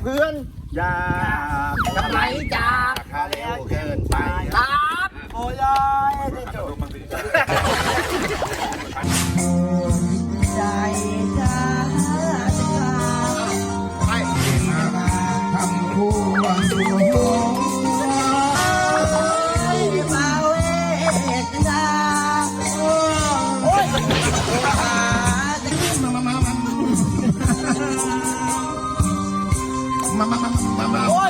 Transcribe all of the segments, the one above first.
เพื่อนอย่าทำไมจากข้าแล้วเกินไปครับโอ้ยได้จบใจจ้าให้ทำคู่วันดูมาเวทนาโอ้ยมาโอ้ย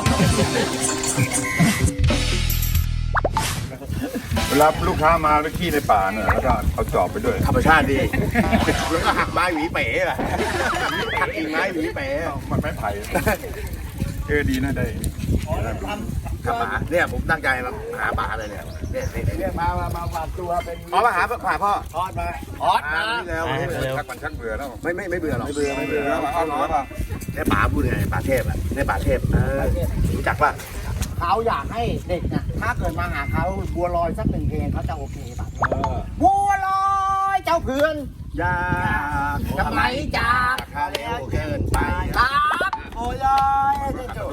เวลาลูกค้ามาไปขี้ในป่าเนี่ยแล้วก็เอาจอบไปด้วยธรรมชาติดีแล้วก็หักไม้หวีเป๋ล่ะหักกิ่งไม้หวีเป๋มันไม่ไผ่ดีนะได้ขับหมาเนี่ยผมตั้งใจมาหาป่าเลยเนี่ยเนี่ยมาฝากตัวเป็นมาหาพ่อทอดมาแล้วชักมันชักเบื่อแล้วไม่เบื่อหรอกไม่เบื่อเอาหรอป่ะเนี่ยป่าพูดไงป่าเทพอ่ะเนี่ยป่าเทพรู้จักป่ะเขาอยากให้เด็กนะถ้าเกิดมาหาเขาบัวลอยสักหนึ่งเพลงเขาจะโอเคป่ะบัวลอยเจ้าเพื่อนอย่าทำไมจากข้าแล้วเกินไปครับโอ้ยได้จบ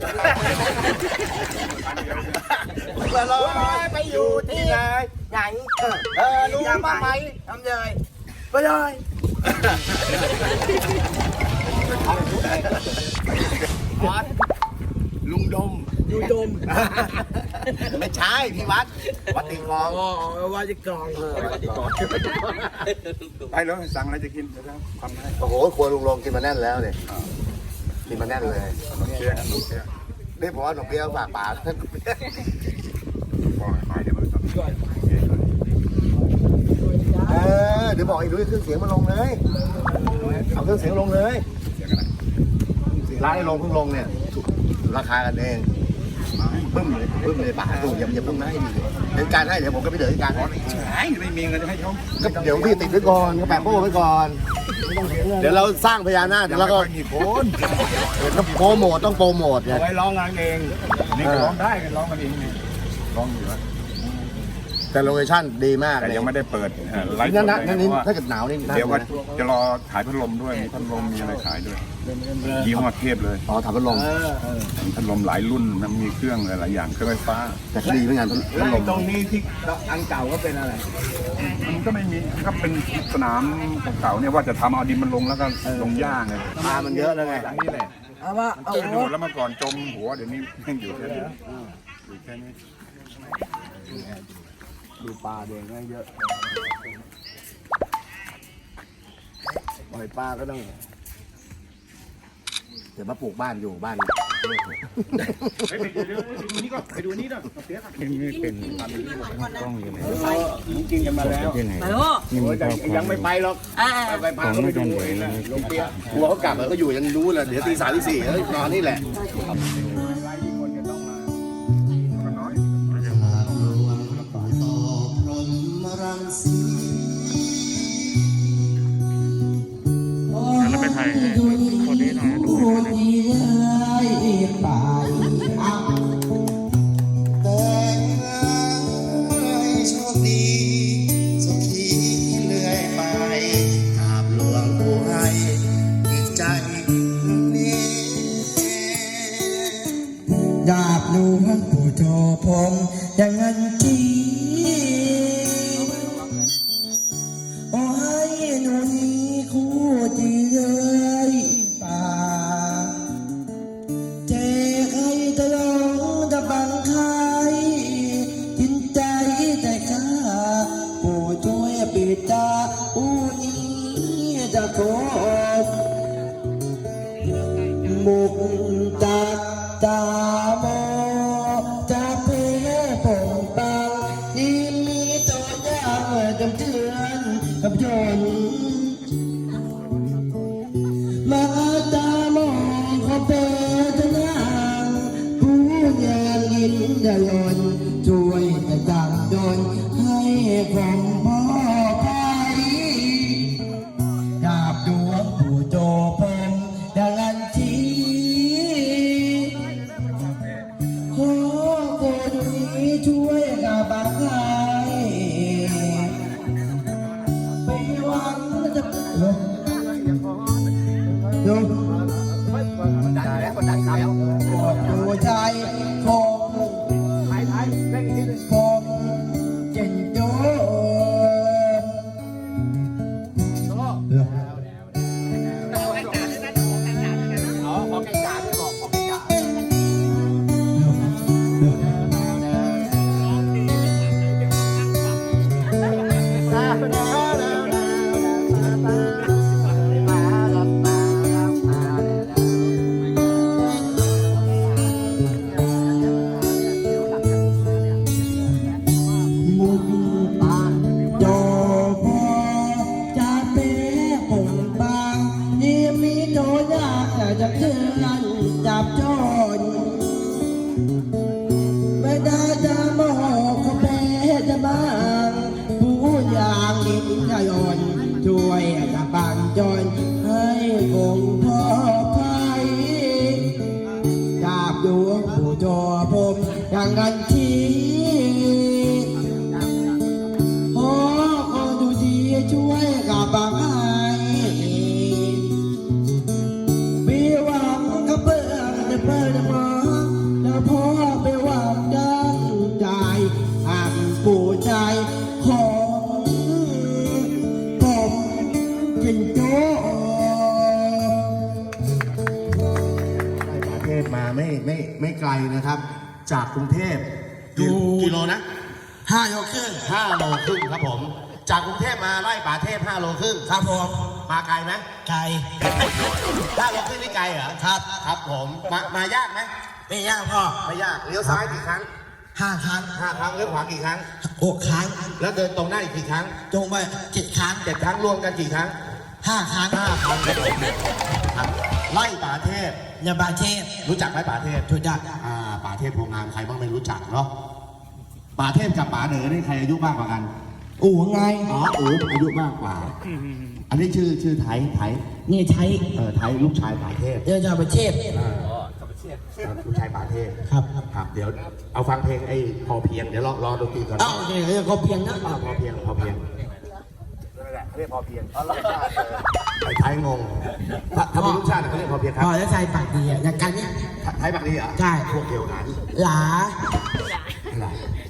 บัวลอยไปอยู่ที่ไหนรู้บ้างไหมทำเลยบัวลอยลุงดมไม่ใช่พี่วัดติกองวัดติกองไปแล้วสั่งอะไรจะกินเดี๋ยวทำให้โอ้โหครัวลุงลงกินมาแน่นแล้วเนี่ยกินมาแน่นเลยนี่ผมว่าหนุ่มเบี้ยวฝากป่าเดี๋ยวบอกไอ้ดุ้ยเครื่องเสียงมาลงเลยเอาเครื่องเสียงลงเลยร้านไอ้ลงเพิ่งลงเนี่ยราคากันเองบึ้มเลยป่าดูอย่าบึ้มนะให้ดีเป็นการให้เดี๋ยวผมก็ไปเดินการไม่มีเงินจะให้เขาเดี๋ยวพี่ติดไว้ก่อนก็แปะโป้ไว้ก่อนเดี๋ยวเราสร้างพญานาคแล้วก็โปรโมทต้องโปรโมทไงไว้ร้องงานเองนี่ก็ร้องได้กันร้องกันเองนี่ร้องอยู่แล้วแต่โลเคชั่นดีมากแต่ยังไม่ได้เปิดไลฟ์นั่นถ้าเกิดหนาวนี่เดี๋ยวว่าจะรอขายพัดลมด้วยมีพัดลมมีอะไรขายด้วยยี่ห้อเทพเลยถามพัดลมพัดลมหลายรุ่นมันมีเครื่องหลายอย่างเครื่องไฟฟ้าแต่ดีเหมือนกันพัดลมตรงนี้ที่อันเก่าก็เป็นอะไรมันก็ไม่มีก็เป็นสนามเก่าเนี่ยว่าจะทำเอาดินมันลงแล้วก็ลงหญ้าไงปลามันเยอะแล้วไงนี่แหละเอาว่าเอาดูแล้วเมื่อก่อนจมหัวเดี๋ยวนี้ยังอยู่แค่นี้อยู่แค่นี้ดูปลาเด้งเยอะปล่อยปลาก็ต้องเดี๋ยวมาปลูกบ้านอยู่บ้านไปดูนี่ด้วยนี่เป็นกล้องอยู่ไหนกินกันมาแล้วยังไม่ไปหรอกไปพาเขาไปดูลงเปียกลัวเขากลับแล้วก็อยู่ยังรู้เลยเดี๋ยวตี3 ตี 4นอนนี่แหละแล้วไปถ่ายคนนี้หน่อยดูโชคดีสุขีเลื่อยไปกราบหลวงปู่ให้อีกใจนี้ดาบหลวงปู่โตพงอย่างนั้นจีโอ้ยหนูนี้คู่จีเลยป่าเจใครตะลงตะบังใครจินใจแต่ข้าปู่ช่วยปิดตาอู้นี้จะโกมุกตักตาโมจะเพผงปังที่มีตัวอย่างจำเตือนกับยนมาตามองเขาเป็นนางผู้งานยินดายนช่วยแต่ดังดนให้ผมพ่อไปดาบดวงผู้โจพงดังอันทีขอคนนี้ช่วยกับบังไห้ไปวันจะลงดันแล้วดันครับจะเพื่อนจับจนไม่ได้จะมองเขาเป็นจะบ้างผู้อย่างดินขยนช่วยจะบังจนให้คงพ่อใครจับดวงผู้จอผมอย่างกันทีขอคนดูดีช่วยกับบางให้มีหวังกับเพื่อนจะเพื่อนมาแล้วพ่อไปหวังดังใจหักปู่ใจของผมกินโจ้ประเทศมาไม่ไกลนะครับ จากกรุงเทพอยู่กิโลนะ 5 โลครึ่ง 5 โลครึ่งครับผม จากกรุงเทพมาไล่ป่าเทพ5 โลครึ่งครับผมมาไกลไหมไก่ 5 โลครึ่งนี่ไกลเหรอครับครับผมมายากไหมไม่ยากพ่อไม่ยากเลี้ยวซ้ายกี่ครั้ง 5 ครั้ง 5 ครั้งเลี้ยวขวากี่ครั้ง 6 ครั้งแล้วเดินตรงหน้าอีกกี่ครั้งจงไป7 ครั้ง 7 ครั้งรวมกันกี่ครั้ง 5 ครั้ง 5 ครั้งครับไล่ป่าเทพยาบาเทพรู้จักไหมป่าเทพถูกจักป่าเทพโพงามใครบ้างไม่รู้จักเนาะป่าเทพกับป่าเหนือนี่ใครอายุมากกว่ากันอู่ไงอ๋ออู๋อายุมากกว่า อันนี้ชื่อไทยนี่ใช้ไทยลูกชายป่าเทพยาบาเทพลูกชายป่าเทพครับครับเดี๋ยวเอาฟังเพลงไอ้พอเพียงเดี๋ยวรอดนตรีก่อนเอ้าเดี๋ยวก็เพียงนะพอเพียงนั่นแหละเขาเรียกพอเพียงไอ้ไทยงงถ้าเป็นลูกชาติเขาเรียกพอเพียงครับพ่อแล้วใส่ปากดีอ่ะอย่างกันเนี่ยไทยปากดีเหรอใช่พวกเดียวกันหลาอะไร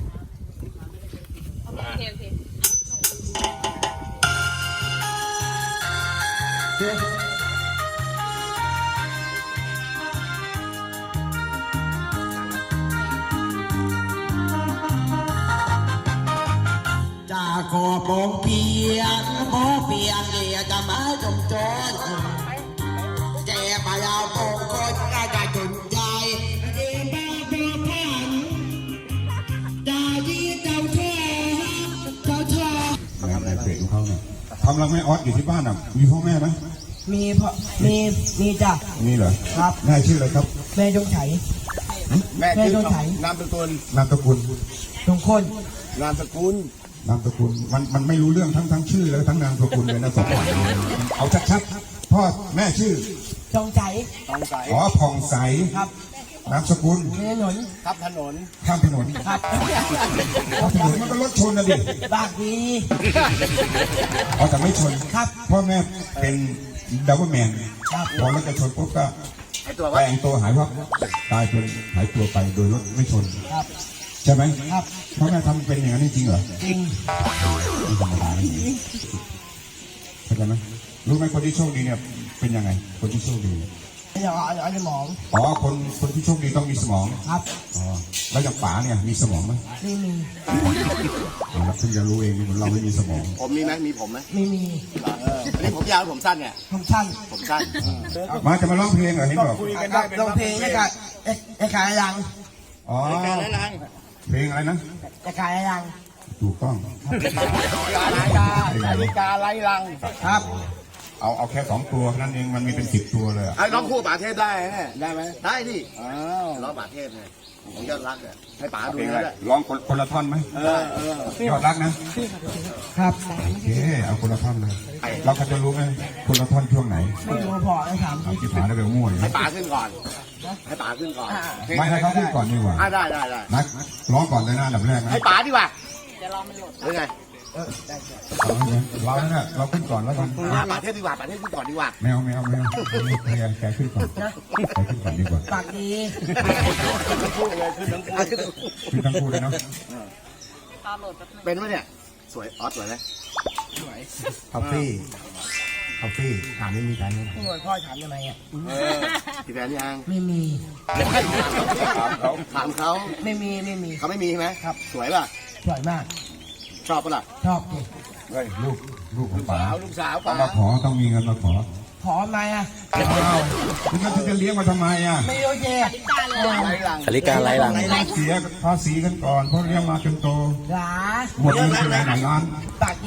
จะขอปองเพียงขอเพียงเดียจะมาจมจนแจไปเอาปองคนก็จะจนใจเดียบ้าพอพันจะดีเจ้าเธอเจ้าเธองานในเพจของเขาเนี่ยทำรังแม่ออสอยู่ที่บ้านอ่ะมีพ่อแม่ไหมมีพ่อมีจ้ะมีเหรอครับแม่ชื่ออะไรครับแม่จงไฉแม่แม่ชื่อโดนไถนามสกุลนามสกุลจงคนนามสกุลนามสกุลมันไม่รู้เรื่องทั้งชื่อแล้วทั้งนามสกุลเลยนะสองคนเอาชัดๆพ่อแม่ชื่อจงไฉต้องใสอ๋อผ่องใสครับนามสกุลถนนทับถนนข้ามถนนครับข้ามถนนมันก็รถชนนะดิบากดีอ๋อแต่ไม่ชนครับพ่อแม่เป็นดับเบิลแมนครับพอรถจะชนปุ๊บก็ไอ้ตัวแปลว่างตัวหายวับตายเป็นหายตัวไปโดยรถไม่ชนครับใช่ไหมครับพ่อแม่ทำเป็นอย่างนั้นจริงเหรอจริงไม่ธรรมดานะเข้าใจไหมรู้ไหมคนที่โชคดีเนี่ยเป็นยังไง คนที่โชคดีไม่เอาสมองอ๋อคนที่โชคดีต้องมีสมองครับอ๋อแล้วอย่างป๋าเนี่ยมีสมองไหมไม่มีอ๋อเพิ่งจะรู้เองเหมือนเราไม่มีสมองผมมีไหมมีผมไหมไม่มีอันนี้ผมยาวหรือผมสั้นเนี่ยผมสั้นผมสั้นมาจะมาร้องเพลงเหรอเห็นบอกลงเพลงไอ้ขายรังอ๋อเพลงอะไรนะไอ้ขายรังถูกต้องนาฬิกาไล่ลังครับเอาแค่2 ตัวนั่นเองมันมีเป็น10 ตัวเลยอะไอ้ร้องคู่ป่าเทพได้ไหมได้ไหมได้ดิร้องป่าเทพเนี่ยของยอดรักเนี่ยให้ป๋าดูเพลงนะอะไรด้วยร้องคนละท่อนไหม ยอดรักนะครับโอเคเอาคนละท่อนเลยเราก็จะรู้ไหมคนละท่อนช่วงไหนไม่รู้พอไอ้ถามเอาที่ผาได้ไปมั่วอยู่ให้ป๋าขึ้นก่อนให้ป๋าขึ้นก่อนไม่ให้เขาพูดก่อนดีกว่าได้นักร้องก่อนเลยนะอันดับแรกนะให้ป๋าดีกว่าเดี๋ยวรอมันหลุดหรือไงเราเนี่ยเราขึ้นก่อนแล้วกันป่าเทพดีกว่าป่าเทพขึ้นก่อนดีกว่าไม่เอาแกขึ้นก่อนแกขึ้นก่อนดีกว่าปากดีขึ้นทั้งคู่เลยขึ้นทั้งคู่ขึ้นทั้งคู่เลยเนาะเป็นไหมเนี่ยสวยออสสวยไหมสวยคอฟฟี่ถามนี่มีแฟนไหมพี่หน่วยพ่อถามทำไมอ่ะมีแฟนยังไม่มีถามเขาไม่มีเขาไม่มีใช่ไหมครับสวยป่ะสวยมากชอบป่ะล่ะชอบดิเฮ้ยลูกของป๋าลูกสาวป๋ามาขอต้องมีเงินมาขอขอไหมอ่ะอ้าวแล้วจะเลี้ยงมาทำไมอ่ะไม่โอเคไล่ลังนาฬิกาไร้หลังเสียภาษีกันก่อนเพราะเลี้ยงมาจนโตหลาหมดเงินไปหลายล้านปากดี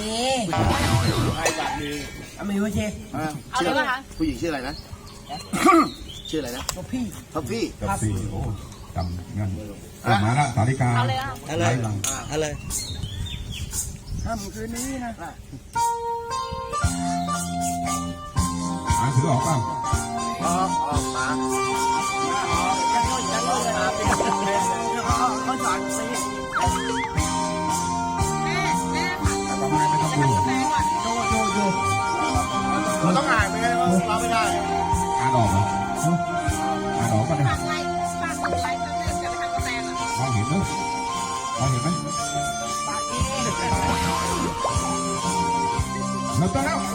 ไล่ลังดีไม่โอเคชื่ออะไรผู้หญิงชื่ออะไรนะชื่ออะไรนะพี่ท็อฟฟี่กับสี่โอ้จำงั้นมาละสาริกาเอาเลยอ่ะไรหลังอะไรค่ำคืนนี้นะอ่านถือออกเปล่าอ๋อมายังน้อยเลยเขาสอนไปแม่ค่ะแต่ว่าไม่ต้องดูแม่ก่อนเราต้องอ่านไปเลยว่าเราไม่ได้อ่านออกเหรออ่านออกก็ได้ฝากไลค์ฝากกดไลค์ทั้งนั้นจะไปทำกาแฟอ่ะมองเห็นไหมมองเห็นไหมเราต้องแล้ว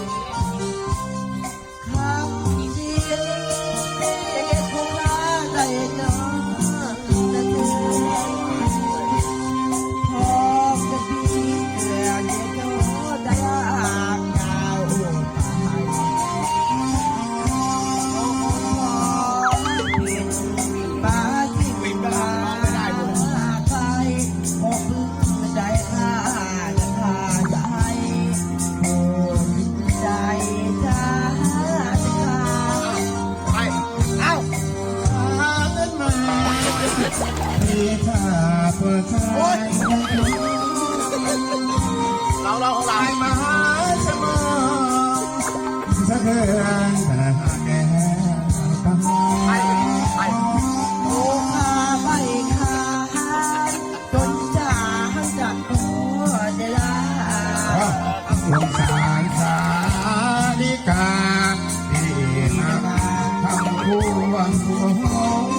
เราของเรามหาสมุทรสะเทือนแต่หาแก่ปังไปโอ้ข้าไม่ข้าจนจะจัดตัวเดลาสงสารสาลิกาที่มาทำคู่วังคู่หง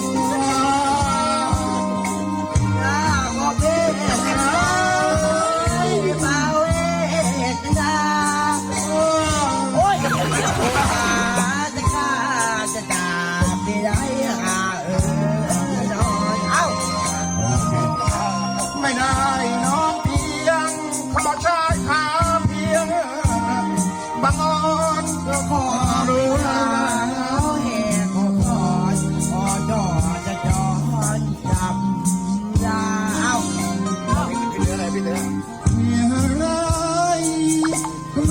หน้าขอเพศเบาเวทนาโอ้ยจะฆ่าจะด่าไม่ได้นอนเอ้าไม่ได้น้องเพียงขอชายขาเพียงบางอ่อนก็ขอรู้ลาแห่ขอพรขอจอจะจอนจำดาวพี่เนื้ออะไรพี่เนื้อเมียร้ายก็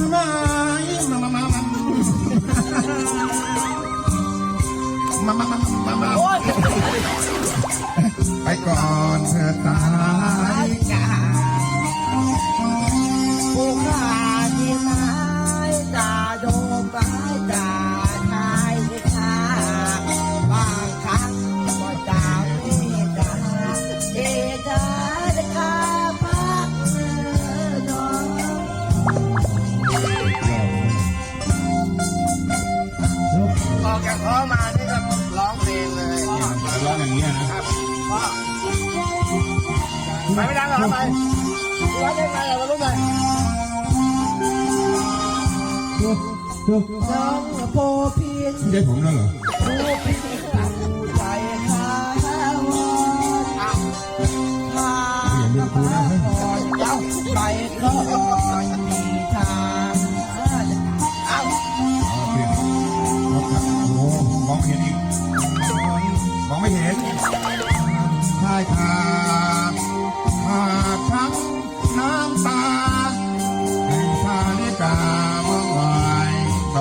มาโอ้ยไปก่อนเธอตายผู้ข้าที่ไม้จ่าโดมไปจ่าชายที่ข้าบางครั้งก็จ่าไม่จ่าเดชาได้ข้าพักนอนออกจากท้องมานี่ก็ร้องเพลงเลยร้องอย่างนี้นะพ่อไปไม่ดังหรอไปร้องได้ไงเรารู้ไหมน้องโปพีนไม่ใช่ผมแล้วเหรอโปพีนผู้ใจข้าวอนข้าก็พาก่อนเจ้าไปก็มีทางเอ้าโอ้มองไม่เห็นอีกมองไม่เห็นชายคาทั้งน้ำตาแห่งชาลิกาเมื่อวาน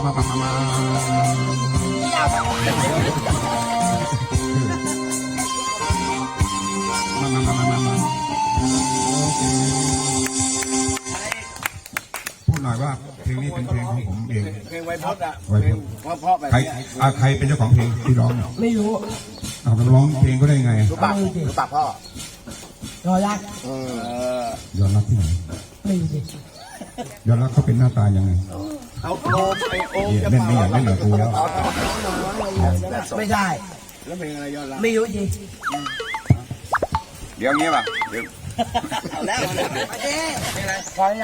พูดหน่อยว่าเพลงนี้เป็นเพลงของผมเองเพลงไวพจน์อ่ะเพลงเพราะแบบใครนี้ใครเป็นเจ้าของเพลงที่ร้องเนี่ยไม่รู้เอาไปร้องเพลงก็ได้ไงรู้ปากพ่อรอรักยอมรับที่ไหนไม่รู้ดิยอมรับเขาเป็นหน้าตายังไงเอาโอมไอโอมเนี่ยเล่นไม่อยากเล่นกับกูแล้วไม่ได้แล้วเพลงอะไรย้อนหลังไม่รู้ดิเดี๋ยวงี้ป่ะเดี๋ยวเอาแล้วเอ๊ะพอแล้วนะ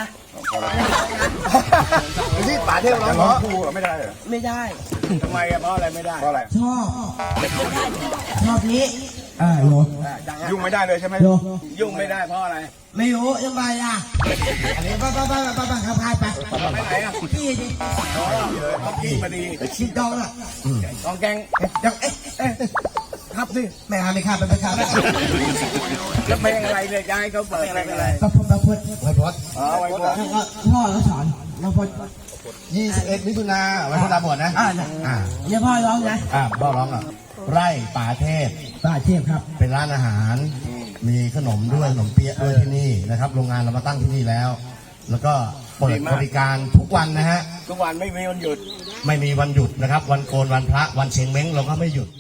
ที่ป่าเทพร้องจะเพร้องราะคู่ไม่ได้เหรอไม่ได้ทำไมอะเพราะอะไรไม่ได้เพราะอะไรชอบนี้โยยุ่งไม่ได้เลยใช่ไหมโยยุ่งไม่ได้เพราะอะไรไม่รู้ยังไงอ่ะอันนี้ไปขับพายไปไปไหนอ่ะพี่ดิเขาพี่มาดีชิดดองอ่ะกองแกงเดี๋ยวเอ๊ะครับสิไม่หาไม่ข้ามไปข้ามแล้วเพลงอะไรเนี่ยจะให้เขาเปิดอะไรเป็นอะไรประพดไว้พดอ๋อไว้พจน์พ่อเขาสอนเราพด 21 มิถุนาวันพุธตาบอดนะเนี่ยพ่อร้องนะพ่อร้องอ่ะไร่ป่าเทพป้าเทพครับเป็นร้านอาหาร มีขนมด้วยขนมเปี๊ยะด้วยที่นี่นะครับ โรงงานเรามาตั้งที่นี่แล้ว แล้วก็เปิดบริการทุกวันนะฮะทุกวันไม่มีวันหยุดไม่มีวันหยุดนะครับ วันโกนวันพระวันเชงเม้งเราก็ไม่หยุด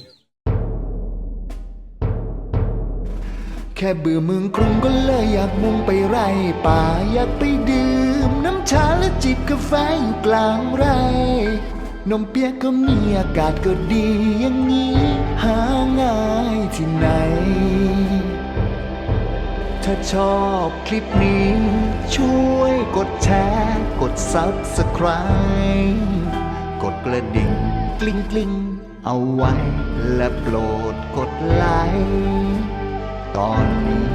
แค่เบื่อเมืองกรุงก็เลยอยากมุ่งไปไร่ป่าอยากไปดื่มน้ำชาและจิบกาแฟอยู่กลางไร่นมเปี๊ยกก็มีอากาศก็ดีอย่างนี้หาง่ายที่ไหน ถ้าชอบคลิปนี้ ช่วยกดแชร์กด Subscribe กดกระดิ่งกลิ้งกลิ้งเอาไว้และโปรดกดไลค์ตอนนี้